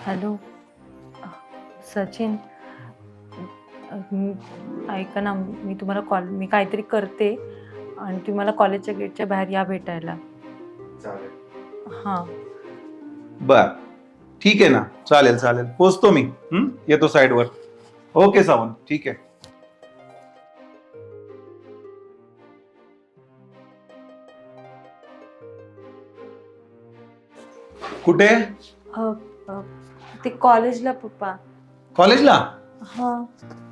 Hello Sachin, ऐका ना, मी काहीतरी करते आणि तुम्ही मला कॉलेजच्या गेटच्या बाहेर या भेटायला. चालेल. हां. बर, ठीक आहे ना, चालेल चालेल, पोचतो मी. येतो साईडवर. ओके सावंत, ठीक आहे. कुठे? अ, अ, ते कॉलेजला पप्पा. कॉलेजला? हां.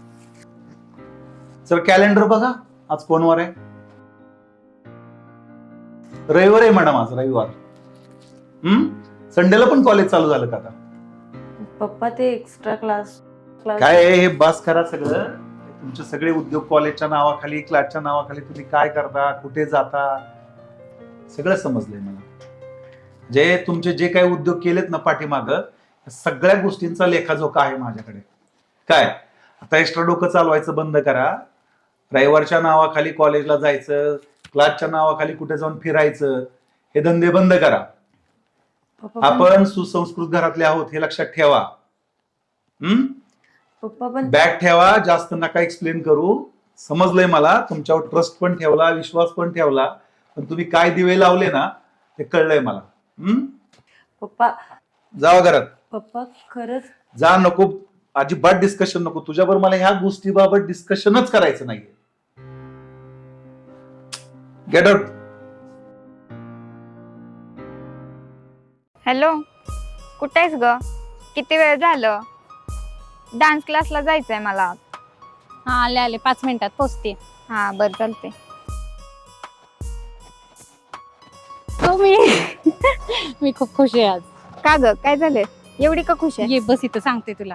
सर कॅलेंडर बघा, आज कोण वार आहे? रविवार आहे मॅडम, आज रविवार. संडेला पण कॉलेज चालू झालं का आता? पप्पा ते एक्स्ट्रा क्लास काय आहे हे? बस करा सगळं. तुमचे सगळे उद्योग कॉलेजच्या नावाखाली, क्लासच्या नावाखाली तुम्ही काय करता, कुठे जाता, सगळं समजलंय मला. तुमचे जे काही उद्योग केलेत ना पाठीमाग, सगळ्या गोष्टींचा लेखाजोखा आहे माझ्याकडे. काय आता एक्स्ट्रा डोकं चालवायचं बंद करा. रविवारच्या नावाखाली कॉलेजला जायचं, क्लासच्या नावाखाली कुठे जाऊन फिरायचं, हे धंदे बंद करा. आपण सुसंस्कृत घरातले आहोत हे लक्षात ठेवा. पप्पा पण बॅग ठेवा, जास्त नका एक्सप्लेन करू. समजलंय मला, तुमच्यावर ट्रस्ट पण ठेवला, विश्वास पण ठेवला, पण तुम्ही काय दिवे लावले ना ते कळलंय मला. पप्पा जावा घरात. पप्पा खरंच जा, नको अजिबात डिस्कशन नको तुझ्याबरोबर. मला ह्या गोष्टीबाबत डिस्कशनच करायचं नाहीये. Get out. हॅलो, कुठे आहेस ग? किती वेळ झालं? डान्स क्लासला जायचंय मला. हा, आले आले, 5 मिनिटात पोचते. हा बरं, चालते. तुम्ही मी खूप खुश आहे आज. का ग, काय झालंय? एवढी का खुश आहे? ये बस, इथं सांगते तुला.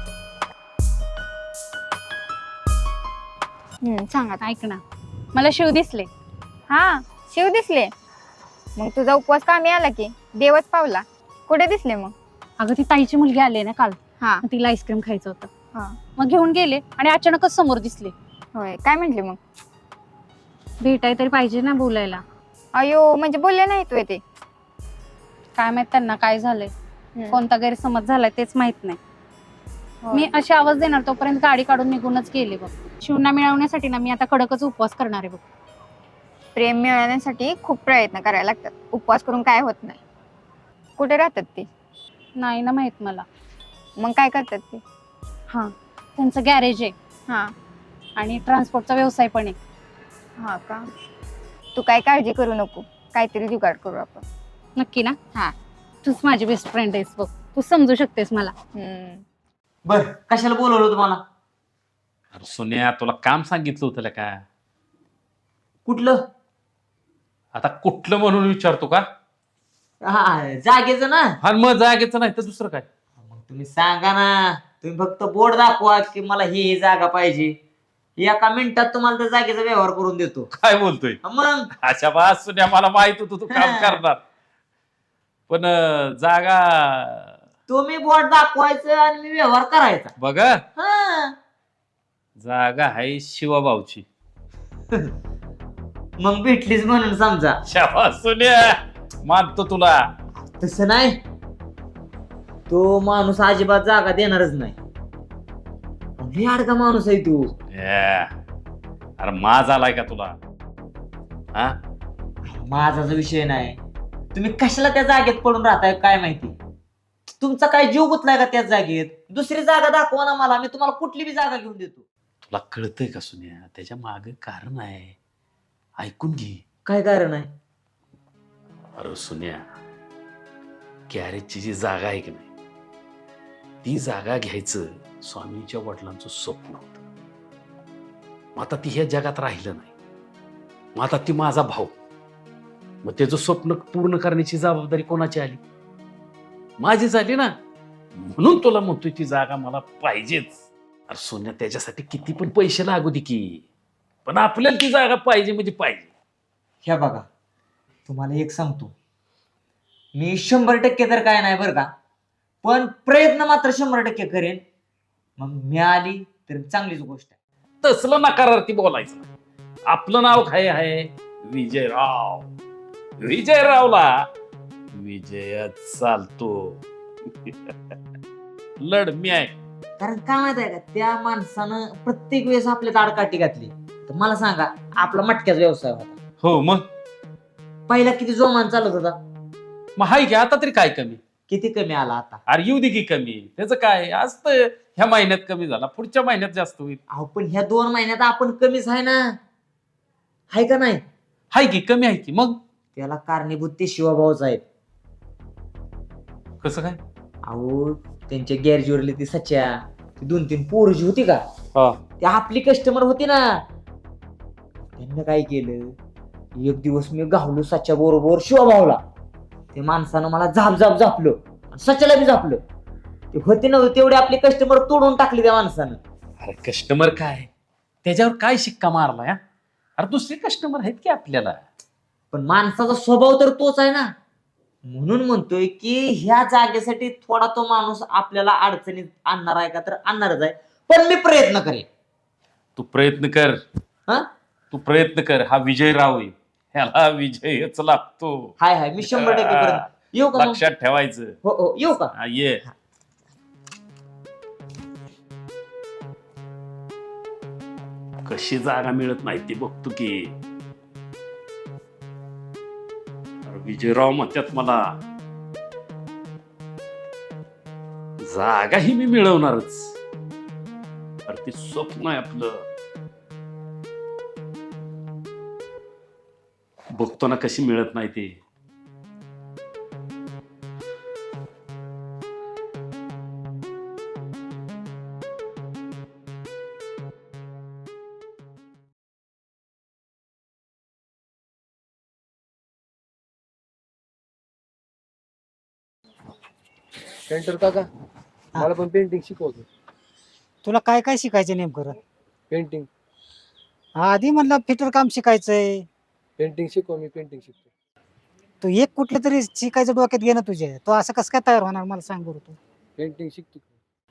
सांग आता. ऐक ना, मला शिव दिसले. हा, शिव दिसले? मग तुझा उपवास कामी आला की देवच पावला. कुठे दिसले मग? अगं, ती ताईची मुलगी आली ना काल, हा तिला आईस्क्रीम खायचं होतं. हा. मग घेऊन गेले आणि अचानकच समोर दिसले. होय, काय म्हंटले मग? भेटाय तरी पाहिजे ना, बोलायला. अयो, म्हणजे बोलले नाही तू ते? काय माहित त्यांना काय झालंय, कोणता गैरसमज झालाय तेच माहित नाही. होय. मी अशी आवाज देणार तोपर्यंत गाडी काढून निघूनच गेले बघ. शिवना मिळवण्यासाठी ना मी आता कडकच उपवास करणार आहे बघ. प्रेम मिळवण्यासाठी खूप प्रयत्न करायला लागतात, उपवास करून काय होत नाही. कुठे राहतात ते? नाही ना माहित मला. मग काय करतात ते? हा, त्यांचं गॅरेज आहे हा. आणि ट्रान्सपोर्टचा व्यवसाय पण आहे. हा का? तू काय काळजी करू नको, काहीतरी जुगाड करू आपण. नक्की ना? हा. तूच माझी बेस्ट फ्रेंड आहेस बघ, तू समजू शकतेस मला. बर, कशाला बोलवलं तुम्हाला? अरे सोन्या, तुला काम सांगितलं होतं का? कुठलं? आता कुठलं म्हणून विचारतो का? हा, जागेचं ना. हा, मग जागेचं नाही तर दुसरं काय? मग तुम्ही सांगा ना. तुम्ही फक्त बोर्ड दाखवा की मला ही जागा पाहिजे, एका मिनिटात तुम्हाला त्या जागेचा व्यवहार करून देतो. काय बोलतोय? मग अच्छा बस सोन्या, मला माहित होतं तू काम करणार, पण जागा तुम्ही बोर्ड दाखवायचं आणि मी व्यवहार करायचा. बघा, हा. जागा आहे शिवाभाऊची. मग भेटलीच म्हणून समजा. शाबास सोन्या, मानतो तुला. तसं नाही, तो माणूस अजिबात जागा देणारच नाही. लय अडका माणूस आहे तू. अरे माज आलाय का तुला? हा, माझा जो विषय नाही, तुम्ही कशाला त्या जागेत पडून राहताय काय माहिती. तुमचा काय जीव गुतलाय का त्या जागेत? दुसरी जागा दाखवा ना मला, मी तुम्हाला कुठली बी जागा घेऊन देतो. तुला कळतंय का सोन्या? त्याच्या मागे कारण आहे, ऐकून घे. काय कारण आहे? अरे सोन्या, गॅरेजची जी जागा आहे की नाही, ती जागा घ्यायचं स्वामींच्या वडिलांचं स्वप्न होतं. मग आता ती ह्या जगात राहिलं नाही. मग आता ती माझा भाऊ, मग त्याचं स्वप्न पूर्ण करण्याची जबाबदारी कोणाची आली? माझी झाली ना. म्हणून तुला म्हणतोय ती जागा मला पाहिजेच. अरे सोन्या, त्याच्यासाठी किती पण पैसे लागू दे की, पण आपल्याला ती जागा पाहिजे म्हणजे पाहिजे. ह्या बघा, तुम्हाला एक सांगतो, मी 100% तर काय नाही बरं का, पण प्रयत्न मात्र 100% करेन. मग मिळाली तर चांगलीच गोष्ट आहे. तसलं नकारार्थी बोलायचं. आपलं नाव काय आहे? विजयराव. विजयरावला विजयच चालतो. लढ मी आहे. कारण काय माहित आहे का, त्या माणसानं प्रत्येक वेळेस आपल्या ताडकाठी घातली. तर मला सांगा, आपला मटक्याचा व्यवसाय होता, हो मग पहिला किती जोमान चालत होता, मग हाय की आता तरी काय कमी. किती कमी आला आता. अरे येऊ दे की कमी, त्याचं काय आज तर ह्या महिन्यात कमी झाला, पुढच्या महिन्यात जास्त होईल. अहो पण ह्या 2 महिन्यात आपण कमीच आहे ना, हाय का नाही. हाय की कमी आहे की. मग त्याला कारणीभूत ते शिवाभाऊच आहेत. कसं काय? अहो त्यांच्या गॅरेजवरली ती सच्या, ती 2-3 पोरजी होती का, हा. ती आपली कस्टमर होती ना. त्यांनी काय केलं, एक दिवस मी गावलो सच्या बरोबर शिवाभाऊला. ते माणसानं मला झापलं, सच्याला बी झापलं. ते होते नव्हते तेवढे आपले कस्टमर तोडून टाकले त्या माणसानं. अरे कस्टमर काय, त्याच्यावर काय शिक्का मारला या? अरे दुसरे कस्टमर आहेत की आपल्याला. पण माणसाचा स्वभाव तर तोच आहे ना. म्हणून म्हणतोय की ह्या जागेसाठी थोडा तो माणूस आपल्याला अडचणीत आणणार आहे का, तर आणणारच आहे. पण मी प्रयत्न करेन. तू प्रयत्न कर. हा? तू प्रयत्न कर. हा विजय राव आहे, ह्याला विजयच लागतो. हाय मी 100% पर्यंत येऊ का मग? लक्षात ठेवायचं. हो येऊ का? हा, ये. कशी जागा मिळत नाही ती बघतो की. अरे विजयराव म्हणतात मला, जागा ही मी मिळवणारच. अरे ते स्वप्न आहे आपलं. बघतो ना कशी मिळत नाही ते. पेंटर काका, मला पण पेंटिंग शिकवतो. तुला काय काय शिकायचं नेमकं? पेंटिंग आधी म्हणलं फिटर काम शिकायचंय. पेंटिंग शिकव, मी पेंटिंग शिकतो. तू एक कुठलं तरी शिकायचं डोक्यात घे ना तुझ्या. तो असं कसं काय तयार होणार मला सांग बरं तू. पेंटिंग शिकतो.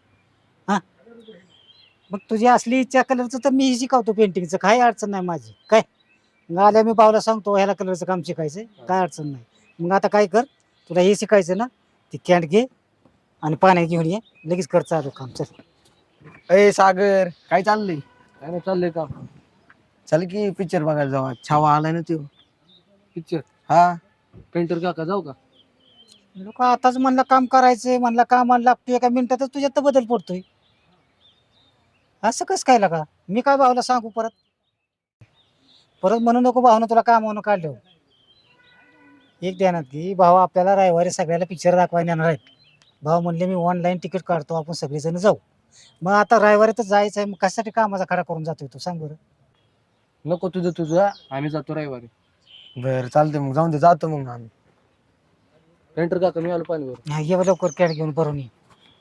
मग तुझी असली इच्छा कलरचं तर मी शिकवतो पेंटिंगचं, काही अडचण नाही माझी. काय आल्या मी भाऊला सांगतो ह्याला कलरचं काम शिकायचंय, काय अडचण नाही. मग आता काय कर, तुला हे शिकायचं ना, ती कॅन्ड घे आणि पाण्यात घेऊन ये, लगेच कर चालू काम. चल. अय सागर, काय चाललंय? काय नाही चाललंय का? चल की पिक्चर बघायला जाऊ. छावा आलाय ना तो पिक्चर. हा. पेंटर काका जाऊ का? लोक आताच म्हणलं काम करायचंय, म्हणलं कामाला लागतोय, एका मिनिटातच तुझ्यात तर बदल पडतोय. असं कसं काय लागा? मी काय भाऊला सांगू परत म्हणू नको भाऊनं तुला कामावून काढलं. एक ध्यानात की भाऊ आपल्याला रविवारी सगळ्याला पिक्चर दाखवायला येणार आहेत. भाऊ म्हणले मी ऑनलाईन तिकीट काढतो, आपण सगळेजण जाऊ. मग आता रविवारी तर जायचं आहे, मग कशासाठी कामाचा खडा करून जातोय तू सांग बरं? नको तुझं, आम्ही जातो रविवारी. बर चालतंय, मग जाऊन दे, जातो मग आम्ही. पेंटर काका मी आलो पाणीवर. हा, ये लवकर कॅट घेऊन भरून ये.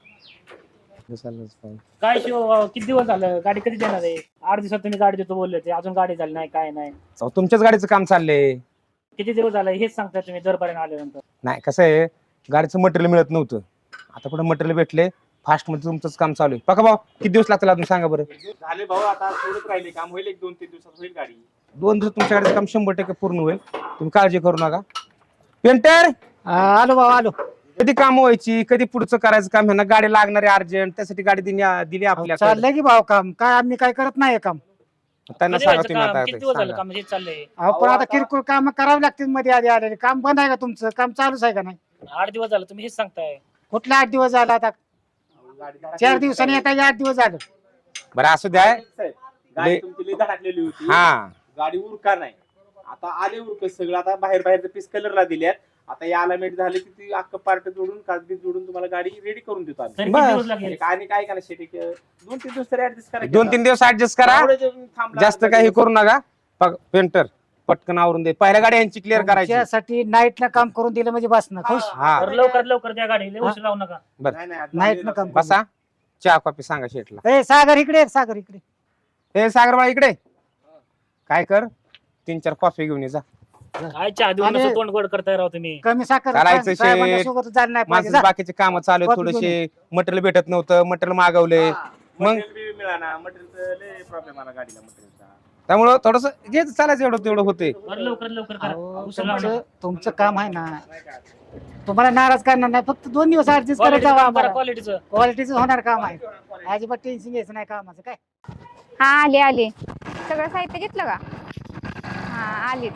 काय शिव, किती दिवस झालं? गाडी कधी देणार आहे? 8 दिवसात तुम्ही गाडी देतो बोलले होते, अजून गाडी झाली नाही, काय नाही. तुमच्याच गाडीचं काम चाललंय. किती दिवस झालं हेच सांगता तुम्ही दरपर्यंत आल्यानंतर? नाही, कसं आहे, गाडीचं मटेरियल मिळत नव्हतं. आता पुढे मटेरियल भेटले, फास्ट मध्ये तुमचंच काम चालू आहे. बघा भाऊ, किती दिवस लागतील अजून सांगा बरं? झाले भाऊ, आता थोडंच राहिले काम, होईल 1-2-3 दिवसात होईल गाडी. 2 दिवसात तुमच्या गाडीचं काम 100% पूर्ण होईल. तुम्ही काळजी करू नका. पेंटर, आलो भाऊ आलो. कधी काम व्हायची, कधी पुढचं करायचं काम, ह्यांना गाडी लागणारी अर्जंट, त्यासाठी गाडी दिली आपल्याला. चाललंय की भाऊ काम, काय आम्ही काय करत नाही काम. त्यांना कधी सांगा व्हायचं तुम्ही काम? आता किती दिवस झालं सांगा. काम हेच चाललंय? अहो पण आता किरकोळ काम करावी लागतील मध्ये आधी आलेले. काम बंद आहे का तुमचं? काम चालूच आहे का नाही? 8 दिवस झालं तुम्ही हेच सांगताय. कुठले 8 दिवस झाले? आता 4 दिवसांनी येता 8 दिवस झालं. बरं असू द्या. गाडी तुमची लई धडकलेली होती, हा, गाडी उरका नाही. आता आले उरक सगळं, आता बाहेरचं पीस कलरला दिल्यात. आता या अलामेट झाले की ती अख्खं पार्ट जोडून कागदी जोडून तुम्हाला गाडी रेडी करून देतो आम्ही. तरी किती दिवस लागेल? आणि काय करा शेती 2-3 दिवस तरी ऍडजस्ट करा. 2-3 दिवस ऍडजस्ट करा, जास्त काही करू नका. पेंटर पटकन आवरून दे, पहिल्या गाडी यांची क्लिअर करायची. त्यासाठी नाईटला काम करून दिलं म्हणजे बस ना खुश. हा, तर लवकर त्या गाडीला उशीर लावू नका. नाईट ना काम बसा. चहा कॉफी सांगा शेटला. ए सागर इकडे, सागर इकडे. हे सागरबाई इकडे. काय कर, 3-4 कॉफी घेऊन ये जा. काय चहा देऊन आणि- असं तोंड गोड करताय राव तुम्ही? कमी साखर चालायचं शेट. साहेबांच्यासोबत झालं नाही पाहिजे. माझं जा. बाकीचे काम चालू आहेत, कॉफी थोडेसे मटेरियल भेटत नव्हतं, मटेरियल मागवले. मग मिळाला मटेरियलचा लय प्रॉब्लेम आला गाडीला मटेरियलचा. त्यामुळं थोडस जे चालायचं एवढं तेवढं होते. बरं लवकर लवकर करा अहो, उशीर लावू तुमचं तुमचं काम आहे ना, तुम्हाला नाराज करणार नाही, फक्त 2 दिवस ऍडजस्ट करत जावा नका. आम्हाला. क्वालिटीचं क्वालिटीचं होणार काम आहे, अजिबात टेन्शन घ्यायचं नाही कामाचं. काय हा आले आले. सगळं साहित्य घेतलं का? हा आलीच.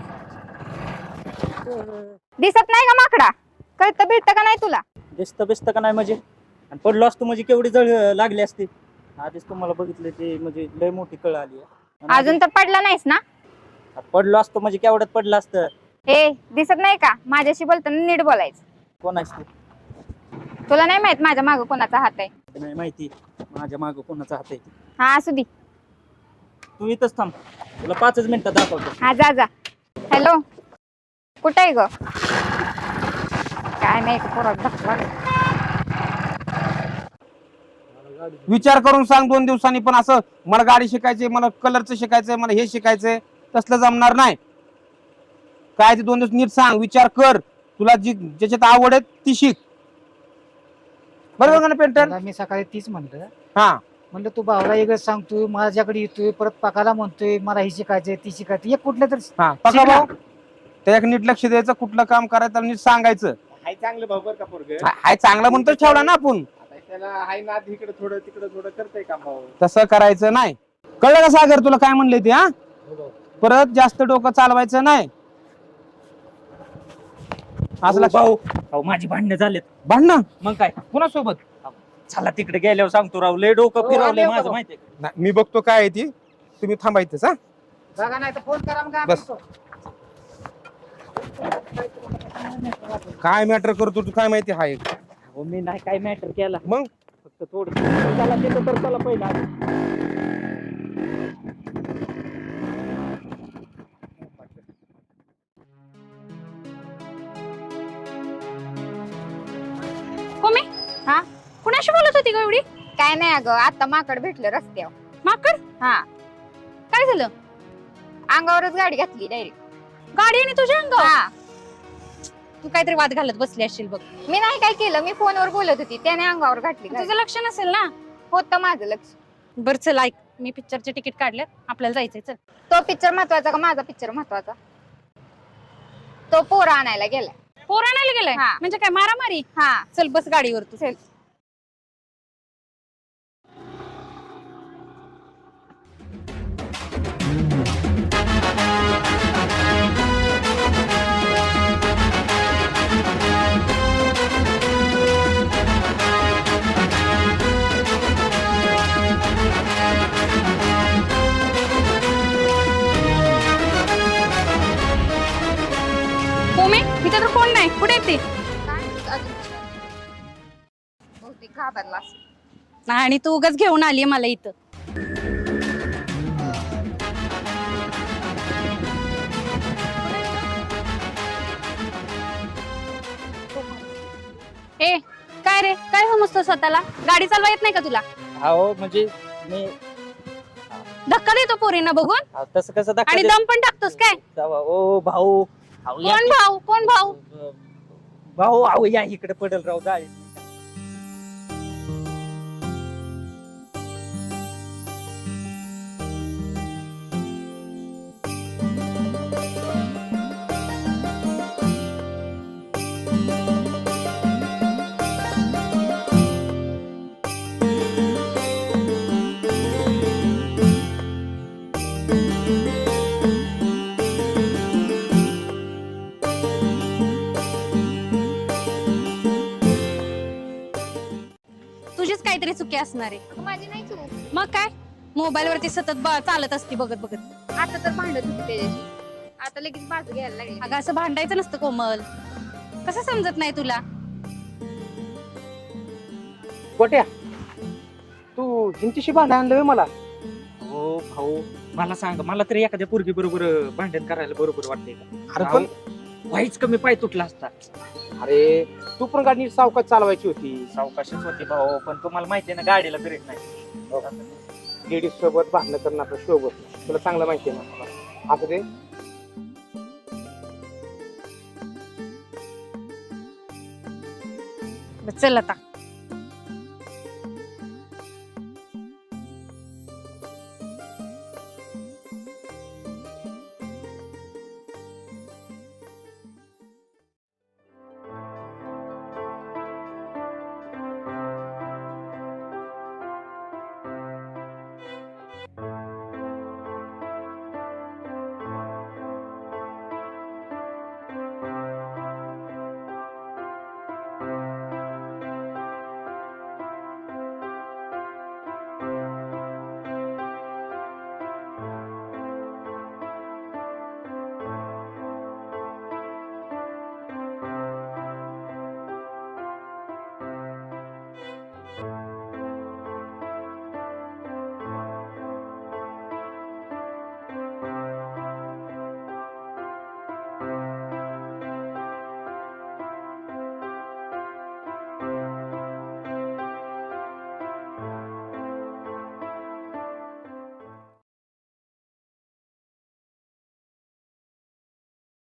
दिसत नाही का माकडा? कळतं भेटतं का नाही तुला? दिसतं बिसतं का नाही म्हणजे? आणि पडलो असतो म्हणजे केवढी जळ लागली असती. आधीच तुम्हाला बघितलं ते म्हणजे लय मोठी कळ आली आहे. अजून तर पडला नाहीस ना? पडलो असतो म्हणजे केवढ्यात पडलं असतं. ए दिसत नाही का? माझ्याशी बोलताना नीट बोलायचं. कोण असते तुला नाही माहित माझ्या मागं कोणाचा हात आहे? नाही माहिती माझ्या मागं कोणाचा हात आहे. हा असू दे. तू इथंच थांब, तुला 5 मिनिटात दाखवतो. हा जा जा. हॅलो कुठे आहे ग? काय नाही पोरात धक्का लागला. विचार करून सांग 2 दिवसांनी. पण असं मला गाडी शिकायची, मला कलरचं शिकायचंय, मला हे शिकायचंय, तसलं जमणार नाही. काय ते 2 दिवस नीट सांग, विचार कर. तुला जी ज्याच्यात आवड आहे ती शिक. बरोबर का ना पेंटर? त्याला मी सकाळी तीच म्हणलं, हा म्हणलं तू भावला एकच सांगतोय, माझ्याकडे येतोय, परत पाकाला म्हणतोय मला ही शिकायचंय ती शिकायचं. एक कुठलं तर हा पका भाऊ, त्याच्याकडे नीट लक्ष द्यायचं. कुठलं काम करायचं नीट सांगायचं. हाय चांगलं भाऊ बरं का पोरग. हाय चांगला म्हणतो ठेवला ना आपण, त्याला हाय ना इकडे थोडं तिकडे थोडं करतंय काम भाऊ. तसं करायचं नाही. कळलं का सागर तुला काय म्हणले ते? हा परत जास्त डोकं चालवायचं नाही. असला भाऊ भाऊ माझी भांडणं झालेत. भांडणं? मग काय कुणासोबत? चला तिकडे गेल्यावर सांगतो. राव लय डोकं फिरवलंय माझं माहितीये. नाही, मी बघतो काय आहे ती. तुम्ही थांबायचंच. हा जागा नाही तर फोन करा. मग बस. काय मॅटर करतो तू काय माहिती हाय? हो मी नाही काय मॅटर केला, मग फक्त थोडं चला तिथं तर चला पहिला. कोमे हा कुणाशी बोलत होती का एवढी? काय नाही अगं, आता माकड भेटलं रस्त्यावर. माकड? हा काय झालं? अंगावरच गाडी घातली डायरेक्ट. गाडी आणि तुझ्या अंगावर? हा तू काहीतरी वाद घालत बसली असशील बघ. मी नाही काय केलं, मी फोनवर बोलत होती, त्याने अंगावर घातली गाडी. तुझं लक्ष नसेल ना? होतं माझं लक्ष. बर चल ऐक, मी पिक्चरचे तिकीट काढले, आपल्याला जायचंय. चल. तो पिक्चर महत्वाचा का माझा पिक्चर महत्वाचा? तो पोरं आणायला गेलाय. पोर आणायला गेलाय? हा. म्हणजे काय मारामारी? हा चल बस गाडीवर तू. चल. कोमे इथे तर कोण नाही, कुठे येते? बहुतेक घाबरला असेल. आणि तू उगाच घेऊन आली मला इथं. ए काय रे, काय समजतो स्वतःला? गाडी चालवा येत नाही का तुला? हो म्हणजे मी धक्का देतो पोरींना बघून तसं कसं धक्का आणि देत- दम पण टाकतोस काय? ओ भाऊ अहो, या कोण भाऊ? कोण भाऊ? भाऊ अहो या इकडे पडेल राव जाय. तुझीच काहीतरी चुकी असणार आहे. माझी नाही चूक. मग काय, मोबाईल वरती सतत चालत असती बघत बघत. आता तर भांडत होती त्याच्याशी, आता लगेच बाजू घ्यायला लागली. अगं असं भांडायचं नसतं कोमल, कसं समजत नाही तुला? कोट्या तू हिंतीशी भांडण आणलं मला. हो भाऊ मला सांग, मला तरी एखाद्या पोरगी बरोबर भांडण करायला बरोबर वाटतंय का? अरे पण व्हायच कमी पाय तुटला असता. अरे तू पण गाडी नीट सावकाश चालवायची होती. सावकाशच होती भाऊ, पण तुम्हाला माहितीये ना गाडीला ब्रेक नाही. लेडीज सोबत भांडणं करणं आपलं शोभत नाही. तुला चांगलं माहितीये ना. असं ते चल आता